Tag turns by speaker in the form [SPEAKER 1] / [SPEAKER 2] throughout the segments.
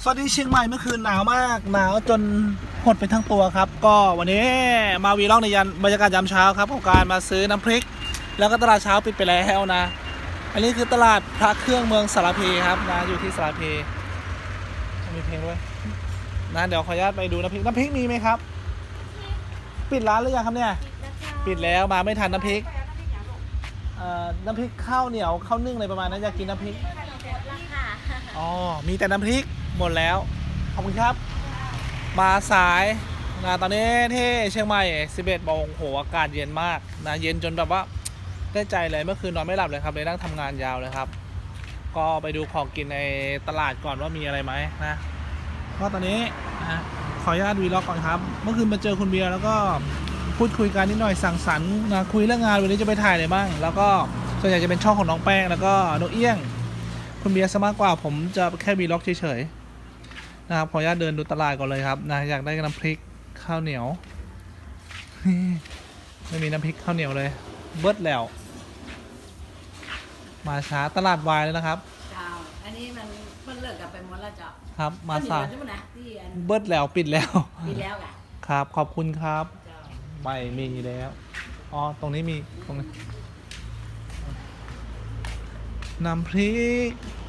[SPEAKER 1] สวัสดีเชียงใหม่เมื่อคืนหนาวมากหนาวจนหดไปทั้งตัวครับก็วันนี้มาวีล็อกในบรรยากาศยามเช้าครับของการมาซื้อน้ำพริกแล้วก็ตลาดเช้าปิดไปแล้วนะอันนี้คือตลาดพระเครื่องเมืองสารพีครับนะอยู่ที่สารพีมีเพลงด้วยนะเดี๋ยวขออนุญาตไปดูน้ำพริกมีไหมครับปิดร้านหรือยังครับเนี่ยปิดแล้วมาไม่ทันน้ำพริกน้ำพริกข้าวเหนียวข้าวนึ่งอะไรประมาณนั้นอยากกินน้ำพริกอ๋อมีแต่น้ำพริกหมดแล้วขอบคุณครับมาสายนะตอนนี้ที่เชียงใหม่11 โมงโหอากาศเย็นมากนะเย็นจนแบบว่าได้ใจเลยเมื่อคืนนอนไม่หลับเลยครับเลยนั่งทำงานยาวเลยครับก็ไปดูของกินในตลาดก่อนว่ามีอะไรไหมนะก็ตอนนี้นะขออนุญาตวีล็อกก่อนครับเมื่อคืนมาเจอคุณเบียร์แล้วก็พูดคุยกันนิดหน่อยสั่งสรรค์นะคุยเรื่องงานวันนี้จะไปถ่ายอะไรบ้างแล้วก็ส่วนใหญ่จะเป็นช่องของน้องแป้งแล้วก็น้องเอี้ยงคุณเบียร์ซะมากกว่าผมจะแค่วีล็อกเฉยๆนะครับขออนุญาตเดินดูตลาดก่อนเลยครับนะอยากได้น้ำพริกข้าวเหนียวไม่มีน้ำพริกข้าวเหนียวเลยเบิดแล้วมาช้าตลาดวายแล้วนะครับ
[SPEAKER 2] เจ้าอันนี้มันเลิกกับไปหมดแล้วเจ้า
[SPEAKER 1] ครับมาสาย
[SPEAKER 2] ที่
[SPEAKER 1] เบิดแล้วปิดแล้ว
[SPEAKER 2] ปีแล้วกะ
[SPEAKER 1] ครับขอบคุณครับไม่มีแล้วอ๋อตรงนี้มีตรงนี้น้ำพริก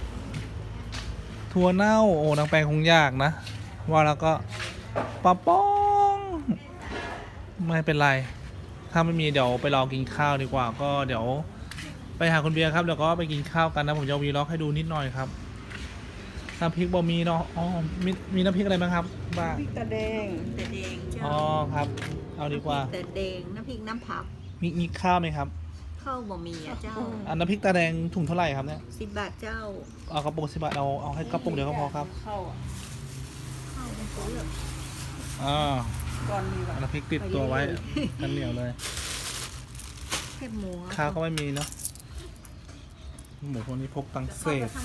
[SPEAKER 1] ถั่วเน่าโอ้นางแปลงคงยากนะว่าแล้วก็ปลาป้องไม่เป็นไรถ้าไม่มีเดี๋ยวไปรอกินข้าวดีกว่าก็เดี๋ยวไปหาคุณเบียร์ครับเดี๋ยวก็ไปกินข้าวกันนะผมจะวีล็อกให้ดูนิดหน่อยครับน้ำพริกบะหมี่เนาะอ๋อมีน้ำพริกอะไรบ้างครับบ้าง
[SPEAKER 3] พริกตาแดงเจ้า
[SPEAKER 1] อ๋อครับเอาดีกว่า
[SPEAKER 3] ตาแดงน้ำพริกน้ำผัก
[SPEAKER 1] มีข้าวไหมครับ
[SPEAKER 3] ข้าวบะหมี่เจ้า
[SPEAKER 1] น้ำพริกตาแดงถุงเท่าไหร่ครับเนี่ย
[SPEAKER 3] 10 บาทเจ้า
[SPEAKER 1] เอากระปุก10 บาทเอาให้กระปุกเดียวก็พอครับ
[SPEAKER 3] ข้าวเป็นตัวเลือกก่อนมีแบบ
[SPEAKER 1] น้ำพริกติดตัวไว้กันเหนียวเลย
[SPEAKER 3] แค่หมู
[SPEAKER 1] ข้าวก็ไม่มีเนาะหมูพวกนี้พกตังเศษ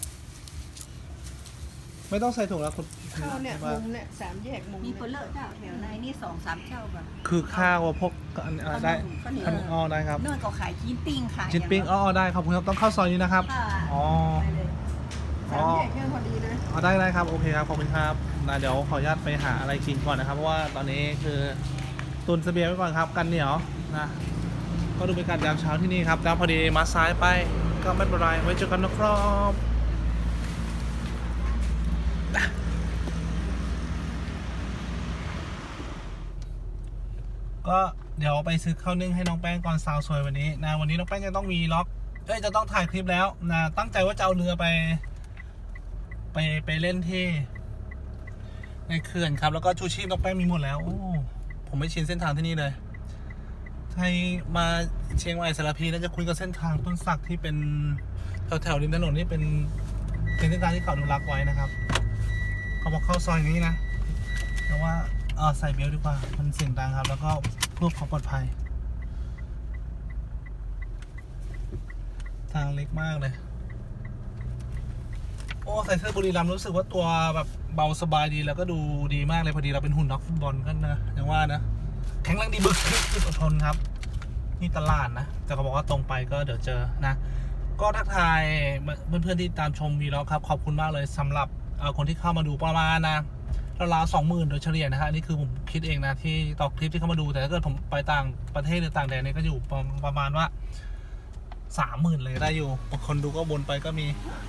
[SPEAKER 1] ไม่ต้องใส่ถุงแล้วคุณ
[SPEAKER 3] ข้าวเนี่ยมุมเนี่ย3 แยกมุมมีคนเลิกเจ้าแถวในนี่2-3 เจ้าแบบ
[SPEAKER 1] คือข้าวพกได้อ๋อได้ครับ
[SPEAKER 3] เนื่อก็ขายชิ้นปิ้งขาย
[SPEAKER 1] ชิ้นปิ้งอ๋อได้ขอบคุณครับต้องเข้าซอยนี้นะครับอ๋อ
[SPEAKER 3] 3 แยกแค่พอดีเลย
[SPEAKER 1] ได้ครับโอเคครับขอบคุณครับนะเดี๋ยวขออนุญาตไปหาอะไรกินก่อนนะครับเพราะว่าตอนนี้คือตุนเสบียงไว้ก่อนครับกันเหนียวนะก็ดูบรรยากาศยามเช้าที่นี่ครับแล้วพอดีมาซ้ายไปก็ไม่เป็นไรไว้เจอกันนะครับก็เดี๋ยวไปซื้อข้าวนึ่งให้น้องแป้งก่อนสาวสวยวันนี้นะวันนี้น้องแป้งจะต้องมีล็อกจะต้องถ่ายคลิปแล้วนะตั้งใจว่าจะเอาเรือไปเล่นที่ในเขื่อนครับแล้วก็ชูชีพน้องแป้งมีหมดแล้วโอ้ผมไม่ชินเส้นทางที่นี่เลยใครมาเชียงใหม่สารพีน่าจะคุ้นกับเส้นทางต้นสักที่เป็นแถวริมถนนนี่เป็นเส้นทางที่เขาอนุรักษ์ไว้นะครับเขาบอกเข้าซอยนี้นะแต่ว่าใส่เบลดีกว่ามันเสียงดังครับแล้วก็เพื่อความปลอดภัยทางเล็กมากเลยโอ้ใส่เสื้อบุรีรัมย์รู้สึกว่าตัวแบบเบาสบายดีแล้วก็ดูดีมากเลยพอดีเราเป็นหุ่นนักฟุตบอลกันนะอย่างว่านะแข็งแรงดีบึกอดทนครับนี่ตลาดนะแต่เขาบอกว่าตรงไปก็เดี๋ยวเจอนะก็ทักทายเพื่อนๆที่ตามชมวีล็อกครับขอบคุณมากเลยสำหรับคนที่เข้ามาดูประมาณนะราวๆ 20,000โดยเฉลี่ยนะฮะนี่คือผมคิดเองนะที่ต่อคลิปที่เข้ามาดูแต่ถ้าเกิดผมไปต่างประเทศหรือต่างแดนนี่ก็อยู่ประมาณว่า 30,000เลยได้อยู่บางคนดูก็บนไปก็มี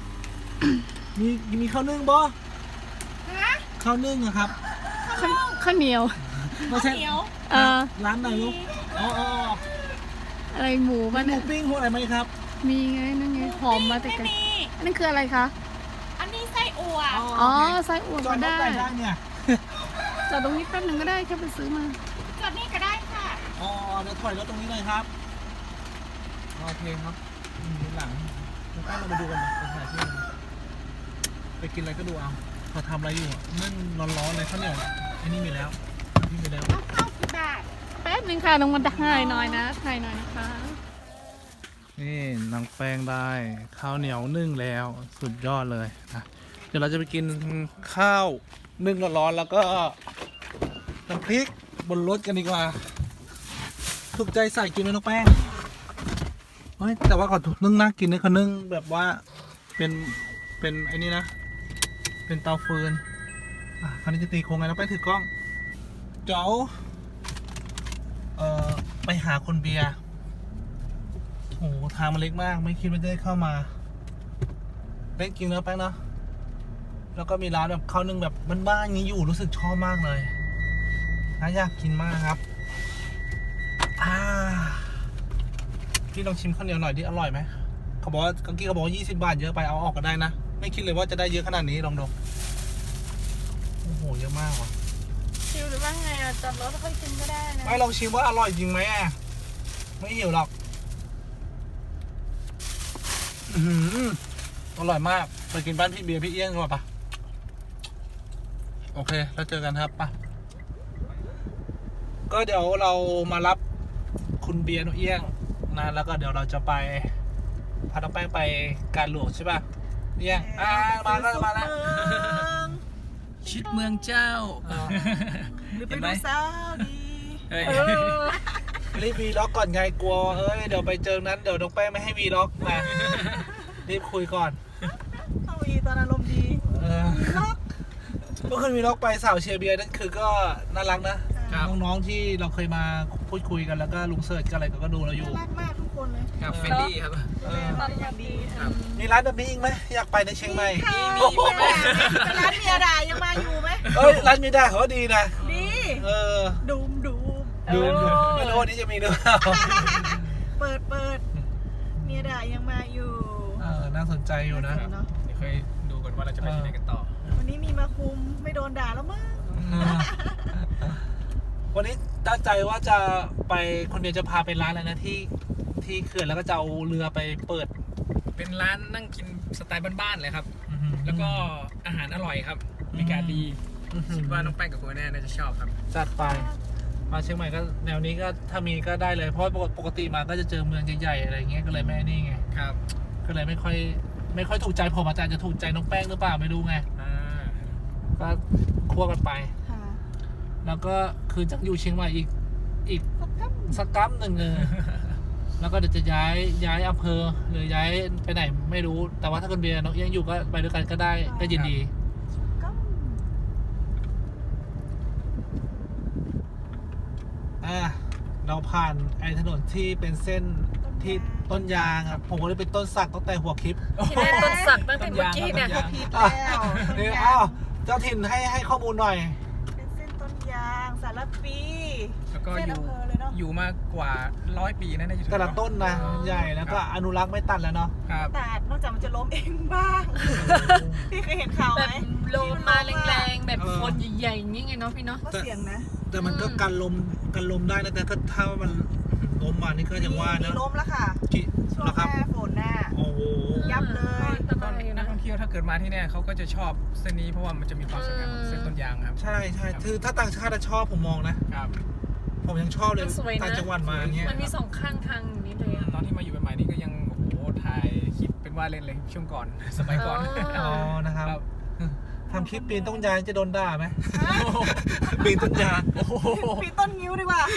[SPEAKER 1] มีข้าวนึ่งบ่ข้าวนึ่งอะครับ
[SPEAKER 4] ข้าวเหนียว
[SPEAKER 1] ไม่ใช่ร้านไหนลูกอ๋อ
[SPEAKER 4] อะไรหมูมัน
[SPEAKER 1] หมูปิ้งพวกอะไรไหมครับ
[SPEAKER 4] มีไงนั่นไงหอมมาแต่ไกลนั่นคืออะไรคะ
[SPEAKER 2] อันนี้ไส้อั่ว
[SPEAKER 4] อ๋อไส้อั่วก็ได้
[SPEAKER 1] เนี่ย
[SPEAKER 4] จอดตรงนี้แป๊บนึงก็ได้แค่ไปซื้อมา
[SPEAKER 2] จอดนี่ก็ได้ค่ะ
[SPEAKER 1] อ๋อเดี๋ยวถอยรถตรงนี้เลยครับโอเคครับหลังเรามาดูกันไปถ่ายที่ไปกินอะไรก็ดูเอาเขาทำอะไรอยู่นึ่งร้อนๆเลยข้าวเหนียวไอ้นี่มีแล้วนี่มีแล้ว
[SPEAKER 2] ข้าว10 บาท
[SPEAKER 4] แป๊บนึงค่ะลงมาถ่ายหน่อยนะถ่ายหน่อยนะคะ
[SPEAKER 1] นี่นางแป้งได้ข้าวเหนียวนึ่งแล้วสุดยอดเลยนะเดี๋ยวเราจะไปกินข้าวนึ่งร้อนๆแล้วก็น้ำพริกบนรถกันดีกว่าถูกใจใส่กินไหมน้องแป้งเฮ้ยแต่ว่าก่อนนึ่งน่ากินนะเขานึ่งแบบว่าเป็นไอ้นี่นะเป็นเตาฟืนคราวนี้จะตีโครงไงแล้วไปถือกล้องเจ้าไปหาคนเบียร์โอ้ทางมันเล็กมากไม่คิดว่าจะได้เข้ามาเล็กจริงเนอะแป้งเนาะแล้วก็มีร้านแบบข้าวนึ่งแบบบ้านๆอย่างนี้อยู่รู้สึกชอบมากเลยน่าอยากกินมากครับพี่ลองชิมข้าวเหนียวหน่อยดิอร่อยไหมเขาบอกว่าเมื่อกี้เขาบอกว่า20 บาทเยอะไปเอาออกก็ได้นะไม่คิดเลยว่าจะได้เยอะขนาดนี้ลองดูโอ้โหเยอะมากว่ะ
[SPEAKER 4] ชิวหรือว่าไงจอดรถแล้วค่อยกินก็ได้นะ
[SPEAKER 1] ไม่ลองชิมว่าอร่อยจริงไหมไม่หิวหรอกอร่อยมากไปกินบ้านพี่เบียร์พี่เอี้ยงกันปะโอเคแล้วเจอกันครับปะก็เดี๋ยวเรามารับคุณเบียร์นุเอี้ยงนะแล้วก็เดี๋ยวเราจะไปพาน้องแป้งไปการหลวงใช่ปะเอี้ยงมาแล้วมาแล้ว
[SPEAKER 3] ชิดเมืองเจ้า
[SPEAKER 2] หรือไปดูสาวดี
[SPEAKER 3] เฮ้ย
[SPEAKER 1] รีบวีล็อกก่อนไงกลัวเดี๋ยวไปเจอนั้นเดี๋ยวน้องแป้งไม่ให้วีล็อกนะรีบคุยก่อน
[SPEAKER 2] เอาอีตอนอารมณ์ดี
[SPEAKER 1] เมื่อคืนวีล็อกไปสาวเชียร์เบียร์นั่นคือก็น่ารักนะน้องๆที่เราเคยมาพูดคุยกันแล้วก็ลุงเสิร์ชกันอะไรก็ดูเราอยู่
[SPEAKER 2] น่ารักมากทุกคนเลย
[SPEAKER 3] ครับเฟรนลี่ครับ
[SPEAKER 2] ตอนอย่างดี
[SPEAKER 1] มีร้านแบบนี้อีกไหมอยากไปในเชียงใหม่
[SPEAKER 2] มีเป็นร้านเมียดายังมาอยู่ไหม
[SPEAKER 1] ร้านมีได้เขาดีนะ
[SPEAKER 2] ดี ดูม
[SPEAKER 1] ดูไม่รู้วันนี้จะมีหรือเปล่า
[SPEAKER 2] เปิดเมียดายังมาอยู่
[SPEAKER 1] น่าสนใจอยู่นะ
[SPEAKER 2] เนาะ
[SPEAKER 3] เดี๋ยวค่อยดูกันว่าเราจะไปที่ไหนกันต่อ
[SPEAKER 2] วันนี้มีมาคุมไม่โดนด่าแล้วมั้ง
[SPEAKER 1] วันนี้ตั้งใจว่าจะไปคนเดียวจะพาไปร้านอะไรนะที่เขื่อนแล้วก็จะเอาเรือไปเปิด
[SPEAKER 3] เป็นร้านนั่งกินสไตล์บ้านๆเลยครับ แล้วก็อาหารอร่อยครับบรรยากาศดีคิดว่าน้องแป้งกับคุณแน่น่าจะชอบครับ
[SPEAKER 1] จัดไปมาเชียงใหม่ก็แนวนี้ก็ถ้ามีก็ได้เลยเพราะปกติมาก็จะเจอเมืองใหญ่ๆอะไรเงี้ยก็เลยไม่นี่ไง
[SPEAKER 3] ครับ
[SPEAKER 1] ก็เลยไม่ค่อยถูกใจผมอาจารย์จะถูกใจน้องแป้งหรือเปล่าไม่รู้ไงก็คั่วกันไป
[SPEAKER 2] ค่ะ
[SPEAKER 1] แล้วก็คือจะอยู่เชียงใหม่อีกสักกั๊บหนึ่งแล้วก็เดี๋ยวจะย้ายอำเภอหรือย้ายไปไหนไม่รู้แต่ว่าถ้าคนเบียร์น้องเอี้ยงอยู่ก็ไปด้วยกันก็ได้ก็ยินดี
[SPEAKER 2] ก็
[SPEAKER 1] เราผ่านไอ้ถนนที่เป็นเส้นที่ต้นยางครับผมก็เลยเป็นต้นสักตั้งแต่หัวคลิป
[SPEAKER 4] ที่ได้ต้นสักตั้งแต่เมื่อกี้เนี่ย
[SPEAKER 2] ผิดแล้ว
[SPEAKER 1] นี่เจ้าถิ่นให้ข้อมูลหน่อย
[SPEAKER 2] เป็นเส้นต้นยางสารปี
[SPEAKER 3] แล้วก็
[SPEAKER 2] เส้นอำเภอเลยเนาะ
[SPEAKER 3] อยู่มากว่า100 ปีนะน่าจะถึง
[SPEAKER 1] แต่ละต้นนะใหญ่แล้วก็อนุรักษ์ไม่ตัดแล้วเนาะ
[SPEAKER 3] ครับ
[SPEAKER 2] แต่นอกจากมันจะล้มเองบ้าง พี่เคยเห็นข่าว
[SPEAKER 4] แบ
[SPEAKER 2] ไหม
[SPEAKER 4] บลมมาแรงๆแบบคนใหญ่ๆอย่างงี้ไงเนาะพี่เนาะ
[SPEAKER 2] ก็เสียงนะ
[SPEAKER 1] แต่มันก็กันลมได้นะแต่ถ้ามันล้มมานี่ก็ยังว่า
[SPEAKER 2] มี
[SPEAKER 1] นะ
[SPEAKER 2] ล้มแล้วค่ะ ช่วง
[SPEAKER 1] นะ
[SPEAKER 2] ห
[SPEAKER 1] ครับ
[SPEAKER 2] น้าฝนหน้า
[SPEAKER 1] โอ้โห
[SPEAKER 2] ยับเลย
[SPEAKER 4] อันตรายอยู่
[SPEAKER 3] นั
[SPEAKER 4] นะ
[SPEAKER 3] กท่องเที่ยวถ้าเกิดมาที่เนี่ยเขาก็จะชอบเส้นนี้เพราะว่ามันจะมีความสวยงามของเส้นต้นยางครับ
[SPEAKER 1] ใช่คือถ้าต่างชาติชอบผมมองนะครับ ผมยังชอบเลย
[SPEAKER 4] มันสวยนะ
[SPEAKER 1] ต่างจังหวัดมาเนี้ย
[SPEAKER 4] มันมี2ข้างทางอย่างนี้เลยอะ
[SPEAKER 3] ตอนที่มาอยู่ใหม่ๆนี่ก็ยังโอ้โหถ่ายคลิปเป็นว่าเล่นเลยช่วงก่อน สมัยก่อน
[SPEAKER 1] อ๋อนะครับ
[SPEAKER 3] ครับ
[SPEAKER 1] ทำคลิปปีนต้นยางจะโดนด่าไหมปีนต้นยาง
[SPEAKER 2] ปีต้นงิ้วดีกว่า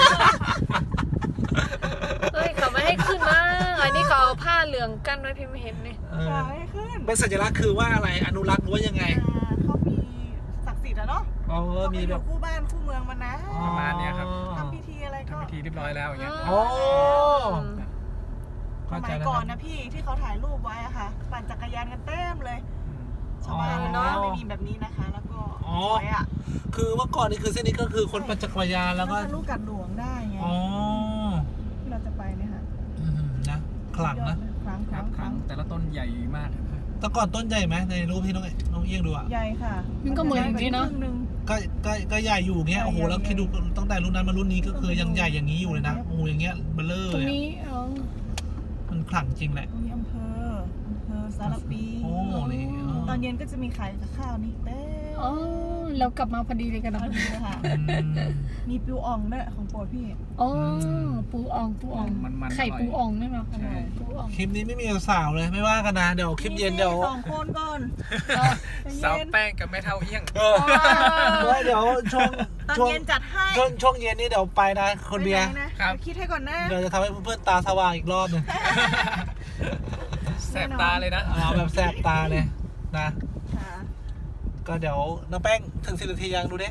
[SPEAKER 4] เฮ้ยเขาไม่ให้ขึ้นนะอันนี้เขาเอาผ้าเหลืองกั้นไว้พี่ไม่เห็นนี่
[SPEAKER 2] ค่ะให้ขึ้น
[SPEAKER 1] เป็นสัญลักษณ์คือว่าอะไรอนุรักษ์หรือว่ายังไง
[SPEAKER 2] เขามีศักดิ์สิทธิ์อะเนาะ
[SPEAKER 1] อ๋อ
[SPEAKER 2] เขา
[SPEAKER 1] มี
[SPEAKER 2] ไปอ
[SPEAKER 1] แบ
[SPEAKER 2] ยู่
[SPEAKER 1] บ
[SPEAKER 2] คู่บ้านคู่เมืองมานะ
[SPEAKER 3] ประมาณเนี้ยครับ
[SPEAKER 2] ทำพิธีอะไรก็
[SPEAKER 3] ทำพิธีเรียบร้อยแล้วอย่างเงี้ย
[SPEAKER 1] โอ้
[SPEAKER 2] ส
[SPEAKER 1] เข้าใจ
[SPEAKER 2] มัย
[SPEAKER 1] แล้ว
[SPEAKER 2] ก่อน
[SPEAKER 1] ครั
[SPEAKER 2] นะ
[SPEAKER 1] บ
[SPEAKER 2] พี่ที่เขาถ่ายรูปไว้อะค่ะ ปั่นจักรยานกันเต็มเลย ชาวบ้าน
[SPEAKER 1] อ๋อ
[SPEAKER 2] เนาะไม่มีแบบนี้นะคะ แล้วก็
[SPEAKER 1] อ๋อ
[SPEAKER 2] สวยอะ
[SPEAKER 1] คือเมื่อก่อนนี่คือเส้นนี้ก็คือคนปั่นจักรยานแล้วก็
[SPEAKER 2] ทะลุกัดหลวงได้ไง
[SPEAKER 1] อ๋อ
[SPEAKER 2] ที่เราจะไปเนี่ยค่ะ
[SPEAKER 1] นะขลังนะ
[SPEAKER 2] ครั้ง
[SPEAKER 3] ครับครั้งแต่ละต้นใหญ่มากครับ
[SPEAKER 1] แต่ก่อนต้นใหญ่ไหมในรูปที่น้องเอี้ยงดูอ่ะ
[SPEAKER 2] ใหญ่ค่ะ
[SPEAKER 4] มันก็เหมือนอย่างนี้เนาะ
[SPEAKER 2] ครึ่งหง
[SPEAKER 1] ก็ใหญ่อยู่เงี้ยโอ้โหแล้วคิดดูตั้งแต่รุ่นนั้นมารุ่นนี้ก็คือยังใหญ่อย่างนี้อยู่เลยนะโอ้โหอย่างเงี้ยเบลเลอร์
[SPEAKER 4] ตรง
[SPEAKER 1] เลย
[SPEAKER 4] นี้
[SPEAKER 1] มันขลังจริงแหละ
[SPEAKER 2] มีอำเภอสารปี
[SPEAKER 1] โอ้นี่
[SPEAKER 2] ตอนเย็นก็จะมีขายกับข้าวนี่เต้ม
[SPEAKER 4] อ๋อเรากลับมาพอดีเลยกัน
[SPEAKER 2] พ
[SPEAKER 4] นะ
[SPEAKER 2] อดีเลยค่ะ มีปิวอ่องด้วยของโปรดพี่
[SPEAKER 4] อ๋อปูอ่องไข่ปูอ่องนี่เนาะปูอ่อง
[SPEAKER 1] คลิปนี้ไม่มีสาวเลยไม่ว่ากันนะเดี๋ยวคลิปเย็นเดี๋ยว
[SPEAKER 2] มี2 คนก่อน
[SPEAKER 3] สาวแป้งกับแม่เท่าเอี้ยง
[SPEAKER 1] เดี๋ยวช่วง
[SPEAKER 2] ตอน
[SPEAKER 1] ช่วง
[SPEAKER 2] เย็นจัดให้
[SPEAKER 1] ช่วงเย็นนี่เดี๋ยวไปนะคนเบียร์
[SPEAKER 2] ไปไหนะครับ คิดให้ก่อนนะ
[SPEAKER 1] เดี๋ยวจะทำให้เพื่อนๆตาสว่างอีกรอบหนึง
[SPEAKER 3] แสบตาเลยนะ
[SPEAKER 1] เอาแบบแสบตาเลยนะ
[SPEAKER 2] ค่ะ
[SPEAKER 1] ก็เดี๋ยวน้องแป้งถึง10 นาทียังดูดิ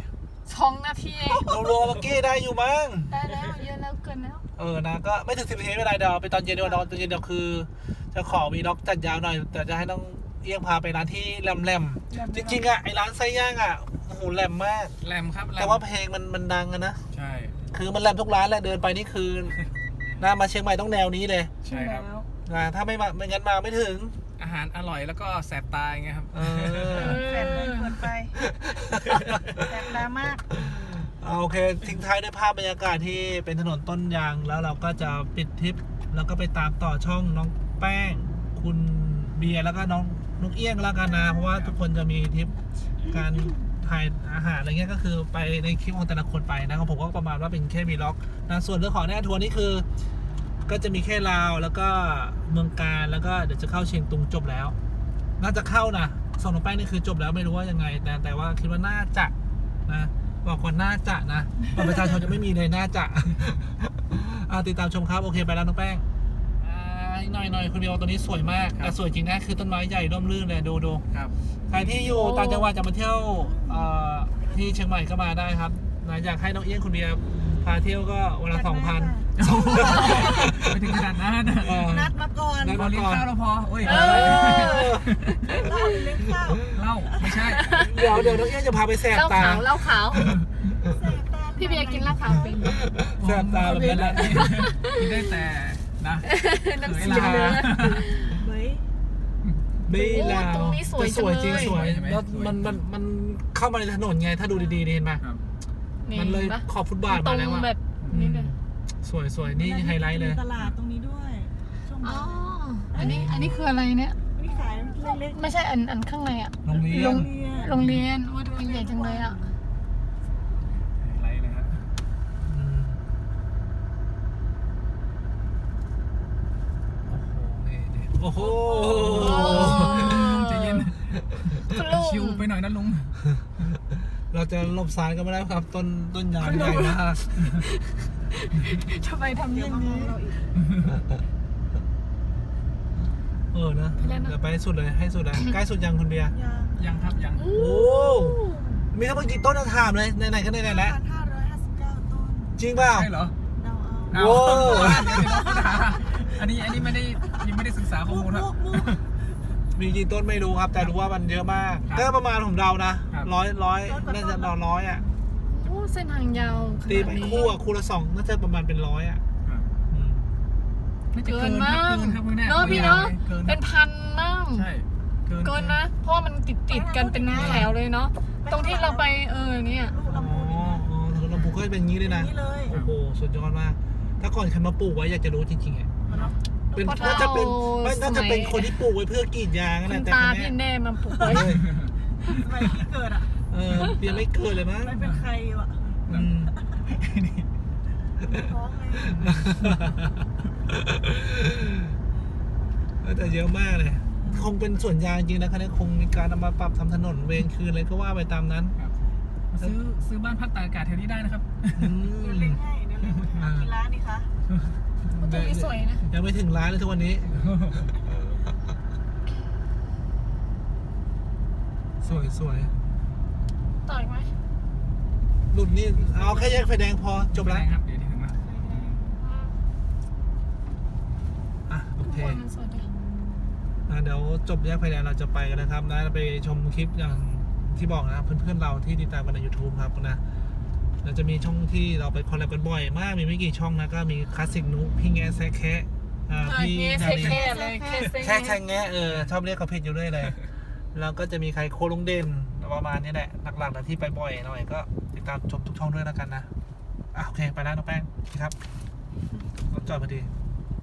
[SPEAKER 4] 2 นาทีเอง
[SPEAKER 1] รวมๆเมื่อกี้ได้อยู่มั้ง
[SPEAKER 4] ได้แล้วเยอะแล้วเกินแล้ว
[SPEAKER 1] นะก็ไม่ถึง10 นาทีไม่เป็นไรเดี๋ยวไปตอนเย็นดีกว่าตอนเย็นเดี๋ยวคือ จะขอมีล็อกจัดยาวหน่อย แต่จะให้น้องเอี้ยงพาไปร้านที่แหลมๆจริงๆอ่ะไอร้านไส้ย่างอ่ะโอ้โหแหลมมาก
[SPEAKER 3] แรมครับแรม
[SPEAKER 1] แต่ว่าเพลงมันดังอะนะ
[SPEAKER 3] ใช่
[SPEAKER 1] คือมันแหลมทุกร้านแหละเดินไปนี่คือ น่ามาเชียงใหม่ต้องแนวนี้เลย
[SPEAKER 3] ใช่ครับ
[SPEAKER 1] ถ้าไม่งั้นมาไม่ถึง
[SPEAKER 3] อาหารอร่อยแล้วก็แสบตาอย่างเงี้ยครับ
[SPEAKER 2] แสบเลยเกินไปแสบตามาก
[SPEAKER 1] โอเคทิ้งท้ายด้วยภาพบรรยากาศที่เป็นถนนต้นยางแล้วเราก็จะปิดทริปแล้วก็ไปตามต่อช่องน้องแป้ง คุณเบียร์แล้วก็น้องเอี้ยงแล้วกันนะเพราะว่าทุกคนจะมีทริปการถ่ายอาหารอะไรเงี้ยก็คือไปในคลิปของแต่ละคนไปนะครับผมก็ประมาณว่าเป็นแค่วีล็อกนะส่วนเรื่องของแน่ทัวร์นี่คือ ก็จะมีแค่ลาวแล้วก็เมืองการแล้วก็เดี๋ยวจะเข้าเชียงตุงจบแล้ว น่าจะเข้านะส่งน้องแป้งนี่คือจบแล้วไม่รู้ว่ายังไงแต่ว่าคิดว่าน่าจะนะบอกก่อนน่าจะนะประชาชนจะไม่มีเลยน่าจะติดตามชมครับโอเคไปแล้วน้องแป้งหน่อยคุณเดียวตัวนี้สวยมากแต่สวยจริงนะคือต้นไม้ใหญ่ร่มรื่นเลยดู
[SPEAKER 3] ครับ
[SPEAKER 1] ใครที่อยู่ต่างจังหวัดจะมาเที่ยวที่เชียงใหม่ก็มาได้ครับนะอยากให้น้องเอี้ยงคุณเบียร์พาเที่ยวก็วันละ 2,000
[SPEAKER 3] ไปถึงขนาดนั้น
[SPEAKER 2] นัดมาก่อน
[SPEAKER 1] นัด
[SPEAKER 3] พอเลี้ยงข้าวเราพอโอ้ย
[SPEAKER 2] เล่าเลี้ยงข้าว
[SPEAKER 3] เหล้าไม่ใช่
[SPEAKER 1] เดี๋ยวน้องเอี้ยงจะพาไปแสบ
[SPEAKER 4] เหล้า
[SPEAKER 1] ตา
[SPEAKER 4] ขาวเหล้าขาว
[SPEAKER 2] แสบตา
[SPEAKER 4] พี่เบียร์กินเหล้าขาวเป็น
[SPEAKER 1] แสบตาแบบนั้นแหละ
[SPEAKER 3] กินได้แต่นะ
[SPEAKER 4] น้ำ
[SPEAKER 3] เข
[SPEAKER 4] เสี
[SPEAKER 3] ย
[SPEAKER 4] ย
[SPEAKER 3] ลา
[SPEAKER 4] เนื้อ
[SPEAKER 2] เฮ้ย
[SPEAKER 1] ไม่ลาว
[SPEAKER 4] ตรงนี้สวย
[SPEAKER 1] แต่สวยจริง
[SPEAKER 4] จังเลย
[SPEAKER 1] สวย
[SPEAKER 3] ใช่ไหม
[SPEAKER 1] แล้ว
[SPEAKER 3] สวย
[SPEAKER 1] มันเข้ามาในถนนไงถ้าดูดีๆเห็นไหม
[SPEAKER 3] ครับ
[SPEAKER 1] มันเลย
[SPEAKER 4] ปะ
[SPEAKER 1] ขอบฟุตบาท
[SPEAKER 4] ตร
[SPEAKER 1] มาง แล้วอะ
[SPEAKER 4] แบบนี้เลย
[SPEAKER 1] สวยนี่ไฮไลท์เลย
[SPEAKER 2] มีตลาดตรงนี้ด้วยช่วง
[SPEAKER 4] อ๋อ
[SPEAKER 2] บ่าย
[SPEAKER 4] อันนี้คืออะไรเนี่ย
[SPEAKER 2] นี่ขายเล็ก
[SPEAKER 4] ไม่ใช่อันข้างในอะ
[SPEAKER 1] โรงเรีย
[SPEAKER 2] ๆโร
[SPEAKER 1] น
[SPEAKER 2] งเรียน
[SPEAKER 4] โรงเรียนโอ้ยทำไมใหญ่จังเลยอะ
[SPEAKER 3] ไรเลยครับ
[SPEAKER 1] อืมโอ้โห
[SPEAKER 3] ใจเย็น
[SPEAKER 4] คุณลุง
[SPEAKER 3] ชิวไปหน่อยนะลุง
[SPEAKER 1] เราจะหลบซ้ายก็ไม่ได้ครับ ต้นยางใหญ่มาก
[SPEAKER 4] ทำไมทำอ
[SPEAKER 2] เดี๋ยว
[SPEAKER 4] ย่าง
[SPEAKER 2] มามอ
[SPEAKER 4] นี้
[SPEAKER 2] งเราอีก
[SPEAKER 1] นะ
[SPEAKER 4] ไปแล้วนะ
[SPEAKER 1] เดี๋ยวไปให้สุดเลยให้สุดเลยใกล้สุดยังคุณเบียร์
[SPEAKER 2] ยัง
[SPEAKER 3] ยังครับยัง
[SPEAKER 1] โอ้มีทั้งหมดกี่ต้นจะถามเลยไหนๆก็ไหนๆแล้ว
[SPEAKER 2] 1,559 ต้น
[SPEAKER 1] จริงเปล่า
[SPEAKER 3] ใช่เหรอ
[SPEAKER 2] เดาเอา
[SPEAKER 1] โอ้
[SPEAKER 3] อันนี้ไม่ได้ยังไม่ได้ศึกษาข้อมูลครับ
[SPEAKER 2] มุก
[SPEAKER 1] มีกี่ต้นไม่รู้ครับ แต่รู้ว่ามันเยอะมาก
[SPEAKER 3] ครับ
[SPEAKER 1] ก็ประมาณผมเดานะครับ ร้อยน่าจะร้อยอ่ะ
[SPEAKER 4] โอ้เส้นทางยาวข
[SPEAKER 1] ตี
[SPEAKER 4] นาด
[SPEAKER 1] ไป
[SPEAKER 4] นี้
[SPEAKER 1] คู่อ่ะคู่ละ2น่าจะประมาณเป็น100อ่ะอืม
[SPEAKER 3] น่าจะ
[SPEAKER 4] เกิ
[SPEAKER 3] เกิ
[SPEAKER 4] น
[SPEAKER 3] น
[SPEAKER 4] มาก
[SPEAKER 3] ครับคุณแม่
[SPEAKER 4] เนาะพี่เนาะ
[SPEAKER 3] เกิน
[SPEAKER 4] เป็นพันมั่ง
[SPEAKER 3] ใช่
[SPEAKER 4] เกินนะ เพราะว่ามันติดกันเป็นแถวเลยเนาะตรงที่เราไปเนี่ย
[SPEAKER 2] ลูก
[SPEAKER 1] อ๋อ
[SPEAKER 2] ลำพูนนี่นะ
[SPEAKER 1] อ๋อถนนลำพูก็เป็นอย่างนี้เลยนะ
[SPEAKER 2] นี่เลย
[SPEAKER 1] โอ้โหสุดยอดมาก ถ้าก่อนใครมาปลูกไว้อยากจะรู้จริงๆอ่ะ
[SPEAKER 2] เนาะ
[SPEAKER 1] เป็น
[SPEAKER 4] เพราะ
[SPEAKER 1] น่าจะเป็น
[SPEAKER 4] เรา
[SPEAKER 1] น่าจะเป็นคนที่ปลูกไว้เพื่อกรีดยางนั่น
[SPEAKER 4] คุ
[SPEAKER 1] แหละ
[SPEAKER 4] ณ
[SPEAKER 1] แต่
[SPEAKER 4] ตา
[SPEAKER 1] คน
[SPEAKER 4] พี่
[SPEAKER 1] เนี้ย
[SPEAKER 4] แน่มาปลุกไว้
[SPEAKER 2] สมัยที่เกิดอ่ะ
[SPEAKER 1] เบียร์ไม่เกิดเลยมั้ง
[SPEAKER 2] ไม่เป็นใครว่ะ
[SPEAKER 1] อืม
[SPEAKER 2] ท้องไง
[SPEAKER 1] แต่เยอะมากเลย คงเป็นส่วนยางจริงนะครับเนี่ยคงมีการนำมาปรับทำถนนเวรคืนอะไรก็ว่าไปตามนั้น
[SPEAKER 3] มาซื้อบ้านพักตากอากาศแถวนี้ได้นะครับ
[SPEAKER 1] อืม
[SPEAKER 2] เดี๋ยวเล็งให้เดี๋ยวเล็งให้กี่ร้านนี่คะ
[SPEAKER 4] ตรงนี้สวยนะ
[SPEAKER 1] ยังไม่ถึงร้านเลยทุกวันนี้ สวย
[SPEAKER 4] ต่อยไหม
[SPEAKER 1] หลุดนี่เอาแค่แยกไฟแดงพอจบแล้ว
[SPEAKER 3] ครับเดี๋ยวถึงแล้ว
[SPEAKER 1] อ่ะโอเค
[SPEAKER 4] คนมันสวยดี
[SPEAKER 1] เดี๋ยวจบแยกไฟแดงเราจะไปกันนะครับนะไปชมคลิปอย่างที่บอกนะครับเพื่อนๆเราที่ติดตามกันใน YouTube ครับนะเราจะมีช่องที่เราไปคอลแลบกันบ่อยมากมีไม่กี่ช่องนะก็มีคลาสสิกนุพี่แงแซะแคะพี่
[SPEAKER 4] เงี้ย
[SPEAKER 1] ดา
[SPEAKER 4] เซ็
[SPEAKER 1] นี
[SPEAKER 4] แค่เลยแค่เซ็
[SPEAKER 1] แค่แงะชอบเรียกเขาผิดอยู่เรื่อยเลยแล้วก็จะมีใครโคลุงเด่นประมาณนี้แหละหลักๆนะที่ไปบ่อยหน่อยก็ติดตามชมทุกช่องด้วยแล้วกันนะโอเคไปแล้วน้องแป้งครับรถจอดพอดี